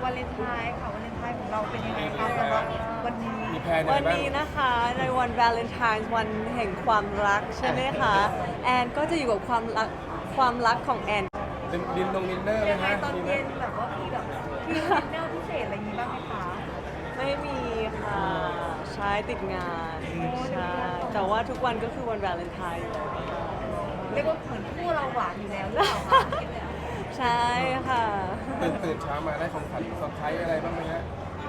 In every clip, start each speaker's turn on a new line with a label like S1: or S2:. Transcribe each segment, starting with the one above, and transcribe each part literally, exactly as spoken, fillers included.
S1: วาเลนไทน์ค่ะวาเลนไทน์ของเราเป็นยังไงคะสำหรับวันนี้
S2: มีแพลนอะไร
S3: วัน
S2: บ้าง
S3: นี้นะคะในวันวาเลนไทน์วันแห่งความรักใช่ไหมคะแอนก็จะอยู่กับความรักความรักของแอน
S2: ดินดินตรงดินเนอร์ไหม
S1: ยังไง
S2: ฮะ
S1: ตอน
S2: มีไหม
S1: เย็นแบบว่ามีแบบมีดินเนอร์พิเศษอะไรอย่างนี้บ้างไหมคะ
S3: ไม่มีค่ะใช่ติดงานใช่แต่ว่าทุกวันก็คือวันวาเลนไทน์อยู่แล้วค่ะ
S1: เรียกว่าเหมือนคู่เราหวานอยู่แล้วหรือเปล่าคะ
S3: ใช่ค่ะ
S2: ตื่นตื่นเช้ามาได้ของขวัญเซอร์ไพรส์อะไรบ้างไหมฮะ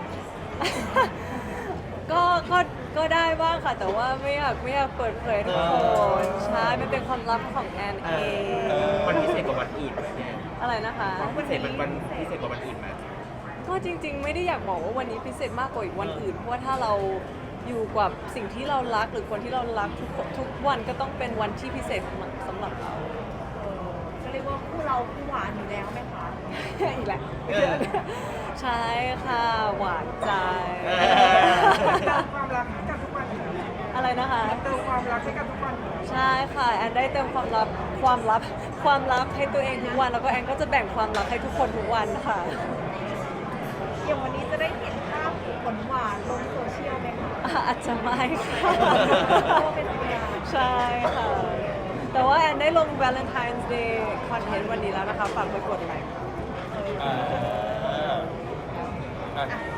S3: ก็ก็ก็ได้บ้างค่ะ แต่ว่าไม่อยากไม่อยากเปิดเผยทุกคนใช่มันเป็นความลับของแอนเอง
S4: วันพิเศษกว่าวันอื่นไหมเนี่ย
S3: อะไรนะคะ
S4: วันพิเศษมันวันพิเศษกว่าวันอื่นไหม
S3: ก็จริงๆ ไม่ได้อยากบอกว่าวันนี้พิเศษมากกว่าอีกวันอื่น เพราะว่าถ้าเราอยู่กับสิ่งที่เรารักหรือคนที่เรารักทุกทุกวันก็ต้องเป็นวันที่พิเศษสำหรับสำหรับเรา
S1: เออจะเรียกว่าคู่เราคู่หวานอยู่แล้วไหมคะ
S3: อีกแหละ
S4: เออ
S3: ใช่ค่ะ หวานใจ
S4: เออ
S1: ความรักให้กันทุกวันอยู่แล้ว
S3: อะไรนะคะ
S1: เติมความรักให้กันทุกวันอยู่แล้ว
S3: ใช่ค่ะแอนได้เติมความลับความลับความลับให้ตัวเองทุกวันแล้วก็แอนก็จะแบ่งความลับให้ทุกคนทุกวันค่ะ
S1: อย่างวันนี้จะได้เห็นภาพหวานๆลงโซเชียลไหมคะ
S3: อ่ะอาจจะไม่ค่ะ
S1: เพราะว่าเป็นธรรมดา
S3: ใช่ค่ะ แต่ว่าแอนได้ลง Valentine's Day คอนเทนต์วันนี้แล้วนะคะ ฝากไปกดไลค์ค่ะ
S2: อ่าอ่ะ